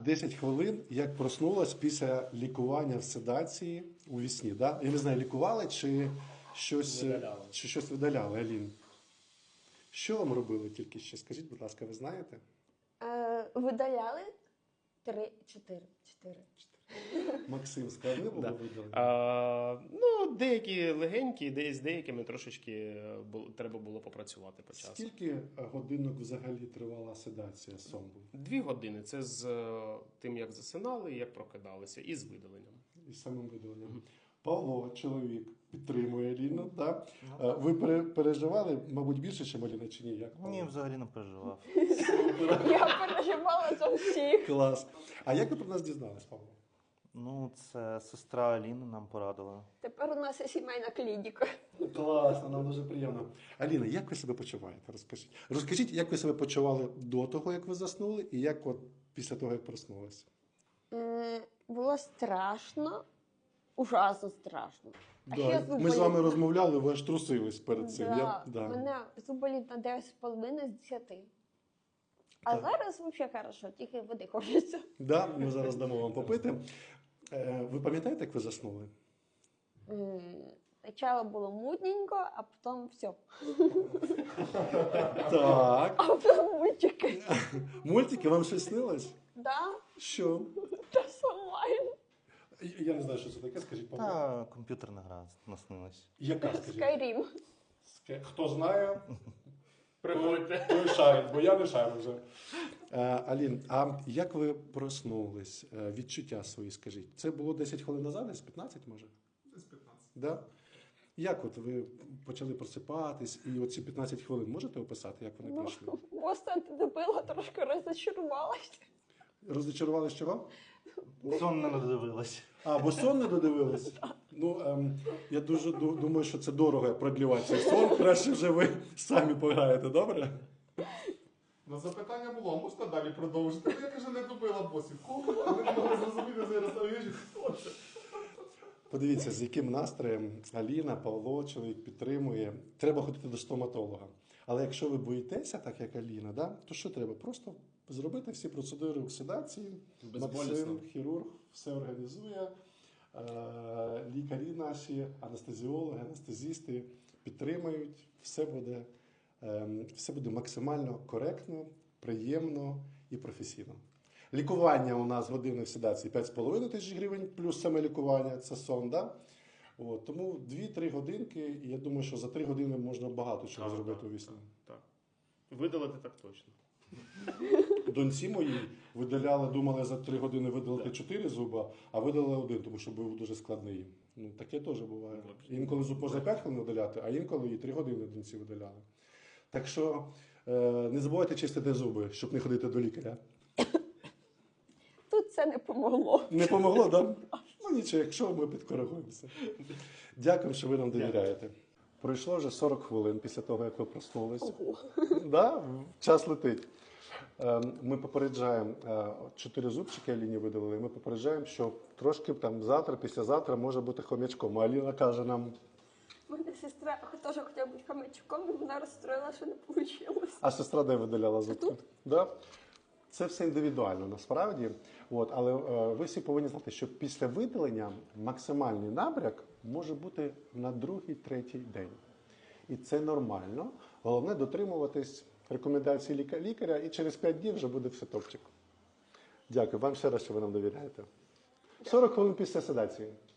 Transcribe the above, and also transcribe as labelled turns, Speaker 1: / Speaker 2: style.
Speaker 1: 10 хвилин, як проснулась після лікування в седації у вісні. Да? Я не знаю, лікували чи щось видаляли, Алін? Що вам робили тільки ще? Скажіть, будь ласка, ви знаєте?
Speaker 2: Видаляли 4.
Speaker 1: Максим, складне було видалення?
Speaker 3: Ну, деякі легенькі, з деякими трошечки треба було попрацювати по часу.
Speaker 1: Скільки годинок взагалі тривала седація сон був?
Speaker 3: 2 години. Це з тим, як засинали, як прокидалися, і з видаленням.
Speaker 1: І самим видаленням. Павло, чоловік, підтримує Аліну, так? Ви переживали, мабуть, більше, ніж Аліна, чи ні? Як,
Speaker 4: Ні, взагалі не переживав.
Speaker 2: Я переживала за всіх.
Speaker 1: Клас. А як ви про нас дізнались, Павло?
Speaker 4: Ну, це сестра Аліни нам порадила.
Speaker 2: Тепер у нас є сімейна клініка.
Speaker 1: Класно, нам дуже приємно. Аліна, як ви себе почуваєте? Розкажіть. Розкажіть, як ви себе почували до того, як ви заснули, і як от після того, як проснулися?
Speaker 2: Було страшно, ужасно страшно. А ще
Speaker 1: Да. Ми з вами розмовляли, ви аж трусились перед цим.
Speaker 2: Да. Мене зуб болить на 9,5 з 10. А
Speaker 1: Так.
Speaker 2: зараз взагалі хорошо, тільки води хочеться.
Speaker 1: Да, ми зараз дамо вам попити. Ви пам'ятаєте, як ви заснули?
Speaker 2: Спочатку було мутненько, а потім все.
Speaker 1: Так.
Speaker 2: А потім мультики.
Speaker 1: Мультики, вам щось снилось?
Speaker 2: Да?
Speaker 1: Що?
Speaker 2: Та сама.
Speaker 1: Я не знаю, що це таке, скажіть, Павло.
Speaker 4: Та комп'ютерна гра наснилась.
Speaker 1: Яка, скажіть?
Speaker 2: Skyrim.
Speaker 1: Хто знає,
Speaker 3: Приходьте.
Speaker 1: той шарить, бо я не шарю вже. Алін, а як ви проснулись? Відчуття свої, скажіть. Це було 10 хвилин назад, десь 15, може?
Speaker 5: Десь 15.
Speaker 1: Да? Як от ви почали просипатись, і оці 15 хвилин можете описати, як вони пройшли?
Speaker 2: Просто антидебила, трошки розчарувалася.
Speaker 1: Розчарувались чого?
Speaker 4: Сон не додивилась.
Speaker 1: А, бо сон не додивились? Ну, я дуже думаю, що це дорого продлівати цей сон. Краще вже ви самі пограєте, добре?
Speaker 5: На запитання було, а можна далі продовжити? Я каже, не добила босів. Кого? Ви не могли зрозуміти зараз на віжі, хто це?
Speaker 1: Подивіться, з яким настроєм Аліна, Павло, чоловік підтримує. Треба ходити до стоматолога. Але якщо ви боїтеся, так як Аліна, да, то що треба? Просто зробити всі процедури в седації.
Speaker 3: Безболісно.
Speaker 1: Максим, хірург, все організує. Лікарі наші, анестезіологи, анестезісти підтримають. Все буде максимально коректно, приємно і професійно. Лікування у нас години в седації 5,5 тисяч гривень, плюс саме лікування, це сон, да? От, тому 2-3 годинки, і я думаю, що за 3 години можна багато чого
Speaker 3: Так,
Speaker 1: зробити
Speaker 3: так,
Speaker 1: у вісні.
Speaker 3: Так. Видалити так точно.
Speaker 1: Доньці моїй думали за 3 години видалити 4 зуба, а видалили 1, тому що був дуже складний. Ну, таке теж буває. Інколи зуб можна 5 хвилин видаляти, а інколи і 3 години доньці видаляли. Так що не забувайте чистити зуби, щоб не ходити до лікаря.
Speaker 2: Тут це не помогло.
Speaker 1: Не помогло, так? Да? Ну нічого, якщо ми підкоригуємося. Дякую, що ви нам довіряєте. Пройшло вже 40 хвилин після того, як ви проснулись.
Speaker 2: Ого.
Speaker 1: Да? Час летить. Ми попереджаємо, 4 зубчики Аліні видалили, ми попереджаємо, що трошки там завтра, післязавтра може бути хомячком. А Аліна каже нам...
Speaker 2: У мене сестра теж хотіла бути хомячком, і вона розстроїла, що не вийшло.
Speaker 1: А сестра де видаляла зубки?
Speaker 2: Тут.
Speaker 1: Да? Це все індивідуально насправді. От, але ви всі повинні знати, що після видалення максимальний набряк може бути на 2-3 день. І це нормально. Головне дотримуватись рекомендацій лікаря, і через 5 днів вже буде все топчик. Дякую вам ще раз, що ви нам довіряєте. 40 хвилин після седації.